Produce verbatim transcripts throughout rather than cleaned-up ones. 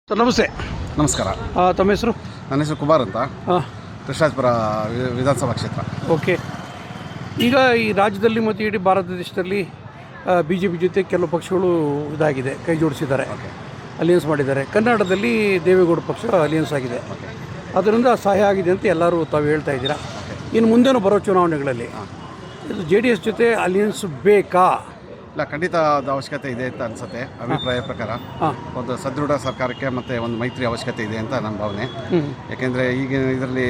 Sir ನಮಸ್ತೆ. ನಮಸ್ಕಾರ. ತಮ್ಮ ಹೆಸರು? ನನ್ನ ಹೆಸರು ಕುಮಾರ್ ಅಂತ. ಹಾಂ, ಕೃಷ್ಣಾಜಪುರ ವಿಧಾನಸಭಾ ಕ್ಷೇತ್ರ. ಓಕೆ. ಈಗ ಈ ರಾಜ್ಯದಲ್ಲಿ ಮತ್ತು ಇಡೀ ಭಾರತ ದೇಶದಲ್ಲಿ ಬಿ ಜೆ ಪಿ ಜೊತೆ ಕೆಲವು ಪಕ್ಷಗಳು ಇದಾಗಿದೆ, ಕೈ ಜೋಡಿಸಿದ್ದಾರೆ, ಅಲಿಯನ್ಸ್ ಮಾಡಿದ್ದಾರೆ. ಕರ್ನಾಟಕದಲ್ಲಿ ದೇವೇಗೌಡ ಪಕ್ಷ ಅಲಿಯನ್ಸ್ ಆಗಿದೆ, ಅದರಿಂದ ಸಹಾಯ ಆಗಿದೆ ಅಂತ ಎಲ್ಲರೂ ತಾವು ಹೇಳ್ತಾ ಇದ್ದೀರಾ. ಇನ್ನು ಮುಂದೇನು ಬರೋ ಚುನಾವಣೆಗಳಲ್ಲಿ ಇದು ಜೆ ಡಿ ಎಸ್ ಜೊತೆ ಅಲಿಯನ್ಸ್ ಬೇಕಾ? ಇಲ್ಲ, ಖಂಡಿತ ಅದು ಅವಶ್ಯಕತೆ ಇದೆ ಅಂತ ಅನಿಸುತ್ತೆ. ಅಭಿಪ್ರಾಯ ಪ್ರಕಾರ ಒಂದು ಸದೃಢ ಸರ್ಕಾರಕ್ಕೆ ಮತ್ತು ಒಂದು ಮೈತ್ರಿ ಅವಶ್ಯಕತೆ ಇದೆ ಅಂತ ನನ್ನ ಭಾವನೆ. ಯಾಕೆಂದರೆ ಈಗಿನ ಇದರಲ್ಲಿ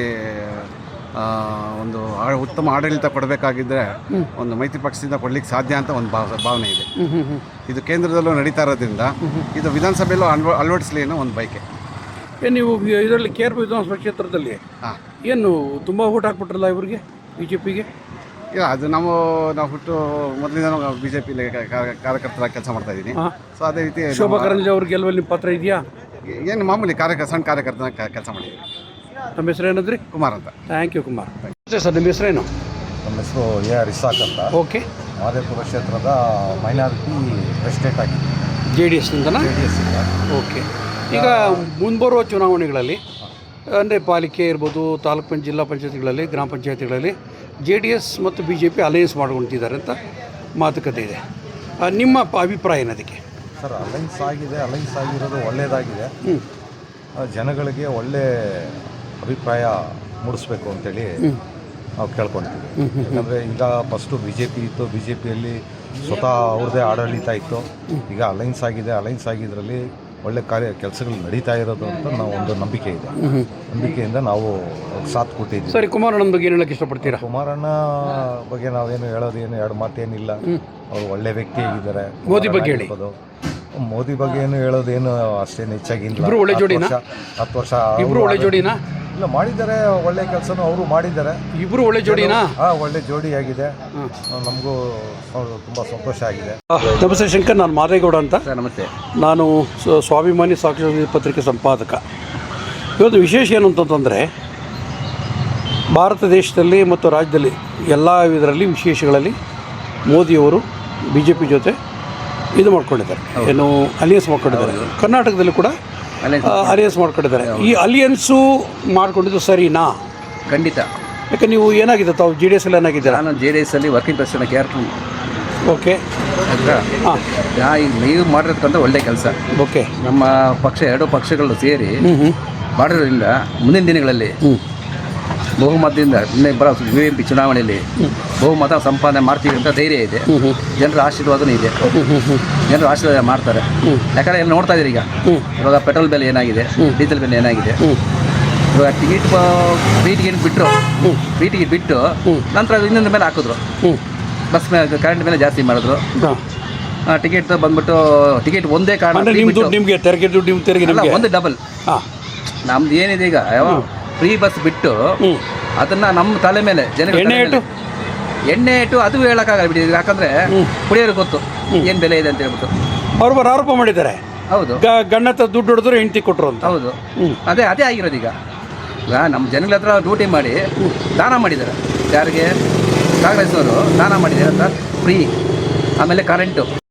ಒಂದು ಉತ್ತಮ ಆಡಳಿತ ಕೊಡಬೇಕಾಗಿದ್ದರೆ ಒಂದು ಮೈತ್ರಿ ಪಕ್ಷದಿಂದ ಕೊಡ್ಲಿಕ್ಕೆ ಸಾಧ್ಯ ಅಂತ ಒಂದು ಭಾವ ಭಾವನೆ ಇದೆ. ಇದು ಕೇಂದ್ರದಲ್ಲೂ ನಡೀತಾ ಇರೋದ್ರಿಂದ ಇದು ವಿಧಾನಸಭೆಯಲ್ಲೂ ಅನ್ವ ಅಳವಡಿಸಲಿ ಅನ್ನೋ ಒಂದು ಬಯಕೆ. ಏನು ನೀವು ಇದರಲ್ಲಿ ಕೆ ಆರ್ ಪಿ ವಿಧಾನಸಭಾ ಕ್ಷೇತ್ರದಲ್ಲಿ ಹಾಂ ಏನು ತುಂಬ ಓಟ್ ಹಾಕ್ಬಿಟ್ರಲ್ಲ ಇವರಿಗೆ, ಬಿ ಜೆ ಪಿಗೆ? ಇಲ್ಲ, ಅದು ನಾವು ನಾವು ಹುಟ್ಟು ಮೊದಲಿಂದ ಬಿ ಜೆ ಪಿಲಿ ಕಾರ್ಯಕರ್ತರಾಗಿ ಕೆಲಸ ಮಾಡ್ತಾ ಇದ್ದೀನಿ. ಸೊ ಅದೇ ರೀತಿ ಶೋಭಾ ಕರಂದ್ಲಾಜೆ ಅವ್ರ ಗೆಲುವಲ್ಲಿ ನಿಮ್ಮ ಪಾತ್ರ ಇದೆಯಾ? ಏನು ಮಾಮೂಲಿ ಕಾರ್ಯಕ ಸಣ್ಣ ಕಾರ್ಯಕರ್ತನ ಕೆಲಸ ಮಾಡಿದ್ದೀವಿ. ನಮ್ಮ ಹೆಸರು ಏನಂದ್ರಿ? ಕುಮಾರ್ ಅಂತ. Thank you Kumar. ಸರ್ ನಿಮ್ಮ ಹೆಸರೇನು? ನಮ್ಮ ಹೆಸರು ಎ ಆರ್ ಇಸಾಕ್ ಅಂತ. ಓಕೆ. ಮಾದೇಪುರ ಕ್ಷೇತ್ರದ ಮೈನಾರಿಟಿ ಪ್ರೆಸಿಡೆಂಟ್ ಆಗಿದೆ, ಜೆ ಡಿ ಎಸ್ನಿಂದನಾ? ಜೆ ಡಿ ಎಸ್ ಇಂದ. ಓಕೆ. ಈಗ ಮುಂಬರುವ ಚುನಾವಣೆಗಳಲ್ಲಿ ಅಂದರೆ ಪಾಲಿಕೆ ಇರ್ಬೋದು, ತಾಲೂಕು ಪಂಚಾಯತ್, ಜಿಲ್ಲಾ ಪಂಚಾಯತ್ಗಳಲ್ಲಿ, ಗ್ರಾಮ ಪಂಚಾಯತಿಗಳಲ್ಲಿ ಜೆ ಡಿ ಎಸ್ ಮತ್ತು ಬಿ ಜೆ ಪಿ ಅಲಯನ್ಸ್ ಮಾಡ್ಕೊಳ್ತಿದ್ದಾರೆ ಅಂತ ಮಾತುಕತೆ ಇದೆ. ನಿಮ್ಮ ಅಭಿಪ್ರಾಯ ಏನದಕ್ಕೆ? ಸರ್, ಅಲೈನ್ಸ್ ಆಗಿದೆ, ಅಲೈನ್ಸ್ ಆಗಿರೋದು ಒಳ್ಳೆಯದಾಗಿದೆ. ಜನಗಳಿಗೆ ಒಳ್ಳೆ ಅಭಿಪ್ರಾಯ ಮೂಡಿಸ್ಬೇಕು ಅಂತೇಳಿ ನಾವು ಕೇಳ್ಕೊಳ್ತೀವಿ. ಯಾಕಂದರೆ ಈಗ ಫಸ್ಟು ಬಿ ಜೆ ಪಿ ಇತ್ತು, ಬಿ ಜೆ ಪಿಯಲ್ಲಿ ಸ್ವತಃ ಅವ್ರದ್ದೇ ಆಡಳಿತ ಇತ್ತು. ಈಗ ಅಲೈನ್ಸ್ ಆಗಿದೆ, ಅಲೈನ್ಸ್ ಆಗಿದ್ದರಲ್ಲಿ ಒಳ್ಳೆ ಕಾರ್ಯ ಕೆಲಸಗಳು ನಡೀತಾ ಇರೋದು ಅಂತ ನಾವು ಒಂದು ನಂಬಿಕೆ ಇದೆ. ನಂಬಿಕೆಯಿಂದ ನಾವು ಸಾಥ್ ಕೊಟ್ಟಿದ್ದೀವಿ. ಸರಿ, ಕುಮಾರಣ್ಣನ ಬಗ್ಗೆ ಏನು ಹೇಳಕ್ಕೆ ಇಷ್ಟಪಡ್ತೀರಾ? ಕುಮಾರಣ್ಣ ಬಗ್ಗೆ ನಾವೇನು ಹೇಳೋದೇನು ಎರಡು ಮಾತೇನಿಲ್ಲ. ಅವರು ಒಳ್ಳೆ ವ್ಯಕ್ತಿ ಆಗಿದ್ದಾರೆ. ಮೋದಿ ಬಗ್ಗೆ ಹೇಳಿ. ಮೋದಿ ಬಗ್ಗೆ ಏನು ಹೇಳೋದೇನು ಅಷ್ಟೇನು ಹೆಚ್ಚಾಗಿಲ್ಲ. ಇಬ್ರು ಒಳ್ಳೆ ಜೋಡಿನಾ? ಹತ್ತು ವರ್ಷ ಇಬ್ರು ಒಳ್ಳೆ ಜೋಡಿನಾ? ಇಲ್ಲ, ಮಾಡಿದ್ದಾರೆ, ಒಳ್ಳೆ ಕೆಲಸನೂ ಅವರು ಮಾಡಿದ್ದಾರೆ. ಇಬ್ರು ಒಳ್ಳೆ ಜೋಡಿನಾ? ಹಾಂ, ಒಳ್ಳೆ ಜೋಡಿ ಆಗಿದೆ. ನಮಗೂ ತುಂಬ ಸಂತೋಷ ಆಗಿದೆ. ನಮಸ್ತೆ ಶಂಕರ್, ನಾನು ಮಾದೇಗೌಡ ಅಂತ. ನಮಸ್ತೆ. ನಾನು ಸ್ವಾಭಿಮಾನಿ ಸಾಕ್ಷಿ ಪತ್ರಿಕೆ ಸಂಪಾದಕ. ಇವತ್ತು ವಿಶೇಷ ಏನು ಅಂತಂತಂದರೆ, ಭಾರತ ದೇಶದಲ್ಲಿ ಮತ್ತು ರಾಜ್ಯದಲ್ಲಿ ಎಲ್ಲ ಇದರಲ್ಲಿ ವಿಶೇಷಗಳಲ್ಲಿ ಮೋದಿಯವರು ಬಿ ಜೆ ಪಿ ಜೊತೆ ಇದು ಮಾಡ್ಕೊಂಡಿದ್ದಾರೆ, ಏನು ಅಲಿಯನ್ಸ್ ಮಾಡ್ಕೊಂಡಿದ್ದಾರೆ. ಕರ್ನಾಟಕದಲ್ಲಿ ಕೂಡ ಅಲಿಯನ್ಸ್ ಮಾಡ್ಕೊಂಡಿದ್ದಾರೆ. ಈ ಅಲಿಯನ್ಸು ಮಾಡ್ಕೊಂಡಿದ್ದು ಸರಿನಾ? ಖಂಡಿತ. ಯಾಕೆ ನೀವು ಏನಾಗಿದೆ, ತಾವು ಜೆ ಡಿ ಎಸ್ ಅಲ್ಲಿ ಏನಾಗಿದ್ದೀರಾ? ನಾನು ಜೆ ಡಿ ಎಸ್ ಅಲ್ಲಿ working president K R P. Okay. ಹಾಂ, ಈಗ ನೀವು ಮಾಡಿರೋದಕ್ಕಂತ ಒಳ್ಳೆ ಕೆಲಸ. ಓಕೆ. ನಮ್ಮ ಪಕ್ಷ ಎರಡು ಪಕ್ಷಗಳು ಸೇರಿ ಮಾಡಿರೋದ್ರಿಂದ ಮುಂದಿನ ದಿನಗಳಲ್ಲಿ ಬಹುಮತದಿಂದ ಇನ್ನೇ ಬರೋ ಯು ಎಂ ಪಿ ಚುನಾವಣೆಯಲ್ಲಿ ಬಹುಮತ ಸಂಪಾದನೆ ಮಾಡ್ತೀವಿ ಅಂತ ಧೈರ್ಯ ಇದೆ. ಜನರ ಆಶೀರ್ವಾದನೂ ಇದೆ, ಜನರು ಆಶೀರ್ವಾದ ಮಾಡ್ತಾರೆ. ಯಾಕಂದರೆ ಎಲ್ಲ ನೋಡ್ತಾ ಇದ್ದೀರಿ, ಈಗ ಇವಾಗ ಪೆಟ್ರೋಲ್ ಬೆಲೆ ಏನಾಗಿದೆ, ಡೀಸೆಲ್ ಬೆಲೆ ಏನಾಗಿದೆ. ಇವಾಗ ಟಿಕೆಟ್ ಫ್ರೀ ಟಿಕೆಟ್ ಬಿಟ್ಟರು, ಫ್ರೀ ಟಿಕೆಟ್ ಬಿಟ್ಟು ನಂತರ ಇನ್ನೊಂದು ಮೇಲೆ ಹಾಕಿದ್ರು, ಬಸ್ ಮೇಲೆ ಕರೆಂಟ್ ಮೇಲೆ ಜಾಸ್ತಿ ಮಾಡಿದ್ರು. ಟಿಕೆಟ್ ಬಂದ್ಬಿಟ್ಟು ಟಿಕೆಟ್ ಒಂದೇ ಕಾರಣ, ನಿಮಗೆ ತೆರಿಗೆ ದುಡ್ಡು ನಿಮ್ಮ ತೆರಿಗೆ ಅಲ್ಲ, ಒಂದು ಡಬಲ್. ನಮ್ದು ಏನಿದೆ ಈಗ ಫ್ರೀ ಬಸ್ ಬಿಟ್ಟು ಅದನ್ನ ನಮ್ಮ ತಲೆ ಮೇಲೆ ಜನ ಎಣ್ಣೆ ಇಟ್ಟು ಎಣ್ಣೆ ಇಟ್ಟು ಅದು ಹೇಳೋಕ್ಕಾಗಲ್ಲ ಬಿಡಿ. ಯಾಕಂದ್ರೆ ಕುಡಿಯೋರಿಗೆ ಗೊತ್ತು ಏನು ಬೆಲೆ ಇದೆ ಅಂತ ಹೇಳ್ಬಿಟ್ಟು ಅವ್ರು ಬರೋ ಆರೋಪ ಮಾಡಿದ್ದಾರೆ. ಹೌದು, ಗಂಡ ಹತ್ರ ದುಡ್ಡು ಹೊಡೆದ್ರು ಹೆಂಡತಿ ಕೊಟ್ಟರು ಅಂತ. ಹೌದು, ಅದೇ ಅದೇ ಆಗಿರೋದು. ಈಗ ಈಗ ನಮ್ಮ ಜನಗಳ ಹತ್ರ ಡ್ಯೂಟಿ ಮಾಡಿ ದಾನ ಮಾಡಿದ್ದಾರೆ. ಯಾರಿಗೆ? ಕಾಂಗ್ರೆಸ್ನವರು ದಾನ ಮಾಡಿದ್ದಾರೆ ಅಂತ ಫ್ರೀ, ಆಮೇಲೆ ಕರೆಂಟು.